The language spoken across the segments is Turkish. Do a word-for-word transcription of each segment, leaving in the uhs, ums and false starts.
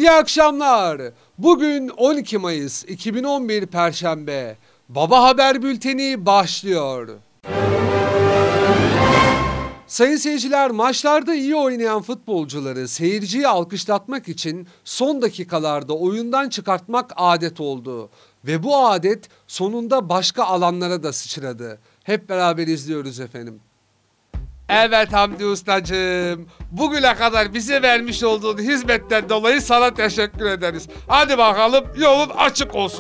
İyi akşamlar. Bugün on iki Mayıs iki bin on bir Perşembe. Baba Haber Bülteni başlıyor. Sayın seyirciler, maçlarda iyi oynayan futbolcuları seyirciyi alkışlatmak için son dakikalarda oyundan çıkartmak adet oldu. Ve bu adet sonunda başka alanlara da sıçradı. Hep beraber izliyoruz efendim. Evet Hamdi Ustacığım, bugüne kadar bize vermiş olduğun hizmetten dolayı sana teşekkür ederiz. Hadi bakalım, yolun açık olsun.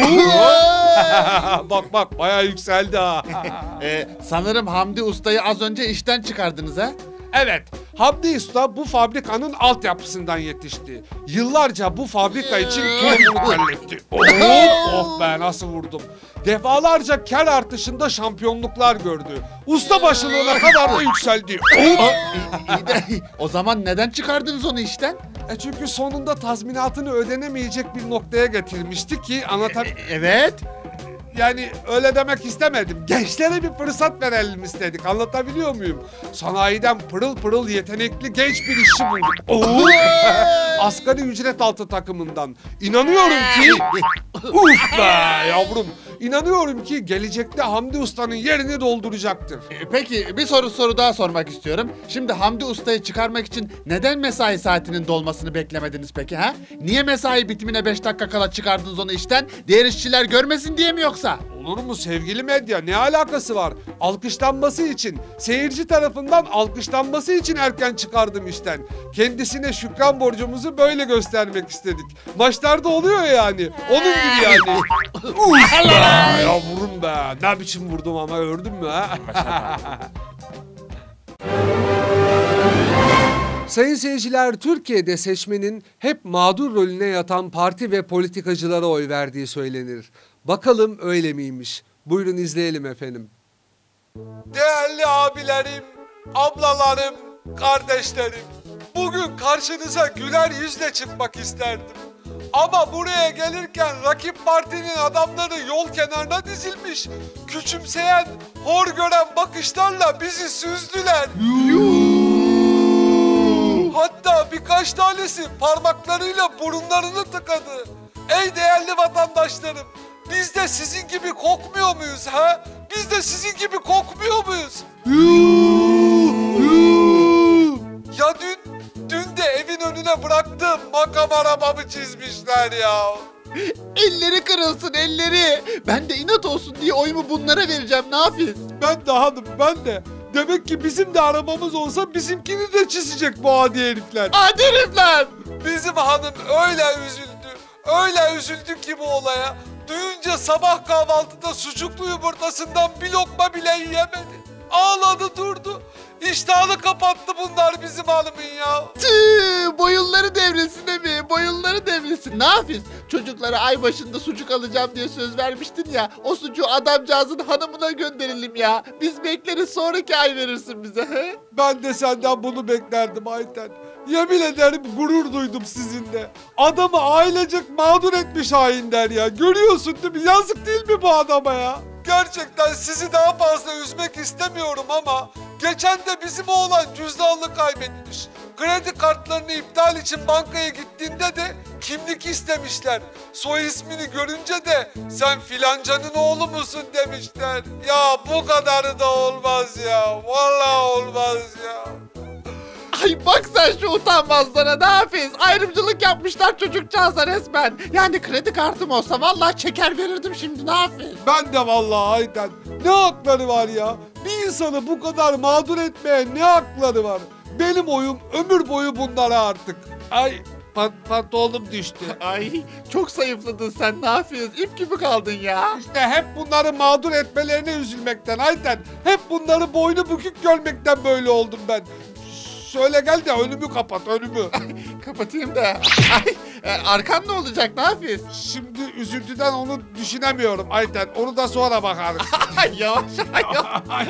Bak bak, bayağı yükseldi ha. ee, sanırım Hamdi Usta'yı az önce işten çıkardınız ha? Evet, Hamdi Usta bu fabrikanın altyapısından yetişti. Yıllarca bu fabrika için tohumunu terletti. Oh, oh be, nasıl vurdum. Defalarca kar artışında şampiyonluklar gördü. Usta başılığına kadar da yükseldi. Oh. İyi de, o zaman neden çıkardınız onu işten? E çünkü sonunda tazminatını ödenemeyecek bir noktaya getirmişti ki anlatab... E, evet. Yani öyle demek istemedim. Gençlere bir fırsat verelim istedik. Anlatabiliyor muyum? Sanayiden pırıl pırıl yetenekli genç bir işçi bulduk. Oo! Asgari ücret altı takımından. İnanıyorum ki... Uf be yavrum. İnanıyorum ki gelecekte Hamdi Usta'nın yerini dolduracaktır. E, peki bir soru soru daha sormak istiyorum. Şimdi Hamdi Usta'yı çıkarmak için neden mesai saatinin dolmasını beklemediniz peki ha? Niye mesai bitimine beş dakika kala çıkardınız onu işten? Diğer işçiler görmesin diye mi yoksa? Olur mu sevgili medya? Ne alakası var? Alkışlanması için, seyirci tarafından alkışlanması için erken çıkardım işten. Kendisine şükran borcumuzu böyle göstermek istedik. Maçlarda oluyor yani. Onun gibi yani. Uf be! Ya vurun be. Ne biçim vurdum ama, gördün mü ha? Sayın seyirciler, Türkiye'de seçmenin hep mağdur rolüne yatan parti ve politikacılara oy verdiği söylenir. Bakalım öyle miymiş? Buyurun izleyelim efendim. Değerli abilerim, ablalarım, kardeşlerim. Bugün karşınıza güler yüzle çıkmak isterdim. Ama buraya gelirken rakip partinin adamları yol kenarına dizilmiş. Küçümseyen, hor gören bakışlarla bizi süzdüler. Hatta birkaç tanesi parmaklarıyla burunlarını tıkadı. Ey değerli vatandaşlarım, biz de sizin gibi kokmuyor muyuz ha? Biz de sizin gibi kokmuyor muyuz? Ya dün, dün de evin önüne bıraktığım makam arabamı çizmişler ya. Elleri kırılsın elleri. Ben de inat olsun diye oyumu bunlara vereceğim, ne yapayım? Ben de hanım, ben de. Demek ki bizim de arabamız olsa bizimkini de çizecek bu adi herifler. Adi herifler! Bizim hanım öyle üzüldü, öyle üzüldü ki bu olaya. Duyunca sabah kahvaltıda sucuklu yumurtasından bir lokma bile yiyemedi. Ağladı durdu. İştahını kapattı bunlar bizim hanımın ya. Tüh, boyunları devrilsin mi? Boyunları devrilsin. Ne yapıyorsun? Çocuklara ay başında sucuk alacağım diye söz vermiştin ya. O sucuğu adamcağızın hanımına gönderelim ya. Biz bekleriz, sonraki ay verirsin bize. He? Ben de senden bunu beklerdim Ayten. Yemin ederim gurur duydum sizinle. Adamı ailecek mağdur etmiş hainler ya. Görüyorsun değil mi? Yazık değil mi bu adama ya? Gerçekten sizi daha fazla üzmek istemiyorum ama geçen de bizim oğlan cüzdanını kaybetmiş. Kredi kartlarını iptal için bankaya gittiğinde de kimlik istemişler. Soy ismini görünce de sen filancanın oğlu musun demişler. Ya bu kadarı da olmaz ya. Vallahi olmaz ya. Ay bak sen şu utanmazlara, ne yapıyorsun? Ayrımcılık yapmışlar çocukcağıza resmen. Yani kredi kartım olsa vallahi çeker verirdim şimdi, ne yapayım? Ben de vallahi Ayten. Ne hakları var ya? Bir insanı bu kadar mağdur etmeye ne hakları var? Benim oyum ömür boyu bunlara artık. Ay pat pantolonum düştü. Ay çok zayıfladın sen, ne yapıyorsun? İp gibi kaldın ya. İşte hep bunları mağdur etmelerine üzülmekten Ayten. Hep bunları boynu bükük görmekten böyle oldum ben. Şöyle gel de önümü kapat, önümü. Kapatayım da. Ay, e, arkan ne olacak, ne yapıyorsun? Şimdi üzüntüden onu düşünemiyorum Ayten. Onu da sonra bakarız. Yavaş yavaş.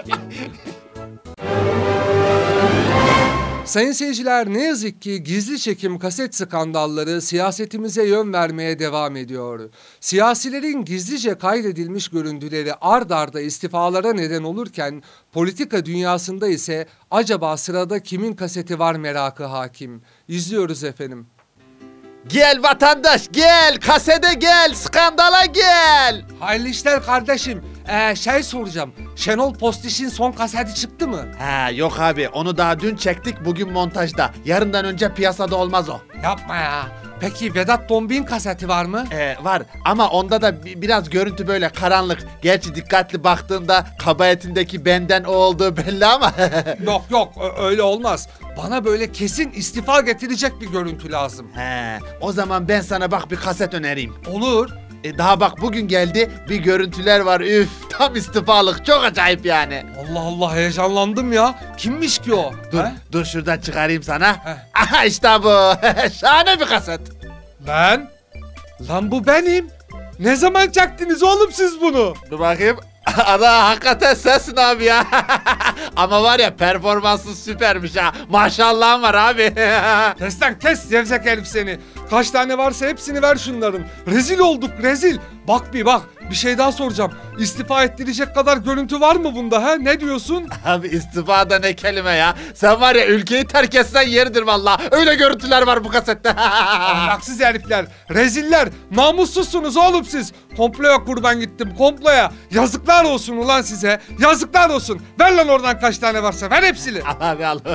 Sayın seyirciler, ne yazık ki gizli çekim kaset skandalları siyasetimize yön vermeye devam ediyor. Siyasilerin gizlice kaydedilmiş görüntüleri ard arda istifalara neden olurken politika dünyasında ise acaba sırada kimin kaseti var merakı hakim. İzliyoruz efendim. Gel vatandaş gel, kasede gel, skandala gel. Hayırlı işler kardeşim. Ee, şey soracağım. Şenol Postiş'in son kaseti çıktı mı? Ha yok abi, onu daha dün çektik, bugün montajda. Yarından önce piyasada olmaz o. Yapma ya. Peki Vedat Dombik'in kaseti var mı? Ee, var ama onda da bi- biraz görüntü böyle karanlık. Gerçi dikkatli baktığında kabahatindeki benden o olduğu belli ama. Yok yok ö- öyle olmaz. Bana böyle kesin istifa getirecek bir görüntü lazım. He, o zaman ben sana bak bir kaset önereyim. Olur. E, daha bak bugün geldi, bir görüntüler var, üf tam istifalık, çok acayip yani. Allah Allah heyecanlandım ya. Kimmiş ki o? Dur He? dur şuradan çıkarayım sana. Heh. Aha işte bu. Şahane bir kaset. Ben? Lan bu benim. Ne zaman çaktınız oğlum siz bunu? Dur bakayım. Ana hakikaten sensin abi ya. Ama var ya, performansın süpermiş ha. Maşallahın var abi. Kes lan kes zevzek herif seni. Kaç tane varsa hepsini ver şunların. Rezil olduk rezil. Bak bir bak bir şey daha soracağım. İstifa ettirecek kadar görüntü var mı bunda ha? Ne diyorsun? Abi istifa da ne kelime ya. Sen var ya, ülkeyi terk etsen yeridir vallahi. Öyle görüntüler var bu kasette. Ahlaksız herifler, reziller, namussuzsunuz oğlum siz. Komploya kurban gittim, komploya. Yazıklar olsun ulan size, yazıklar olsun. Ver lan oradan kaç tane varsa, ver hepsini. Al abi al.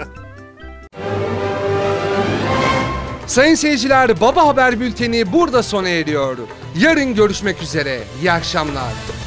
Sayın seyirciler, Baba Haber Bülteni burada sona eriyor. Yarın görüşmek üzere, iyi akşamlar.